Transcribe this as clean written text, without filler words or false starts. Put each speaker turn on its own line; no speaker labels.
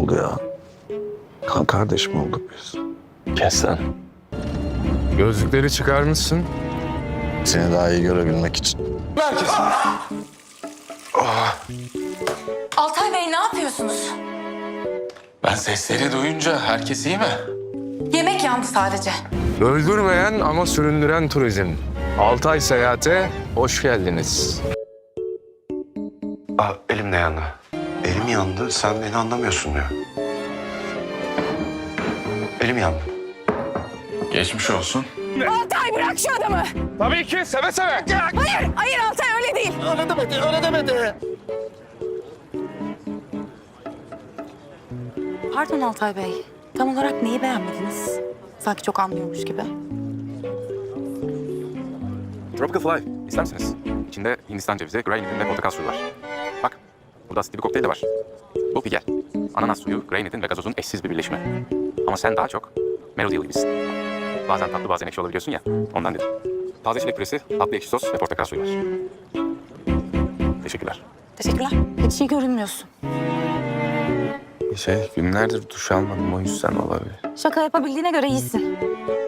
oldu ya. Kan kardeşim olduk biz.
Kes lan. Gözlükleri çıkarmışsın.
Seni daha iyi görebilmek için.
Altay Bey ne yapıyorsunuz?
Ben sesleri duyunca herkes iyi mi?
Yemek yandı sadece.
Öldürmeyen ama süründüren turizm. Altay Seyahat'e hoş geldiniz.
Elim de yandı. Elim yandı, sen beni anlamıyorsun diyor. Elim yandı.
Geçmiş olsun.
Altay bırak şu adamı.
Tabii ki seve seve.
Hayır Altay öyle değil.
Öyle demedi.
Pardon Altay Bey. Tam olarak neyi beğenmediniz? Sanki çok anlıyormuş gibi.
Tropical Fly ister misiniz? İçinde Hindistan cevizi, granit'in ve portakal suyu var. Bak, burada asitli bir kokteyl de var. Bu Pigel. Ananas suyu, granit'in ve gazozun eşsiz bir birleşimi. Ama sen daha çok Melody gibisin. Bazen tatlı bazen ekşi olabiliyorsun ya, ondan dedim. Taze çilek püresi, tatlı ekşi sos ve portakal suyu var. Teşekkürler.
Teşekkürler. Hiç iyi görünmüyorsun.
Günlerdir duş almadım o yüzden olabilir.
Şaka yapabildiğine göre iyisin.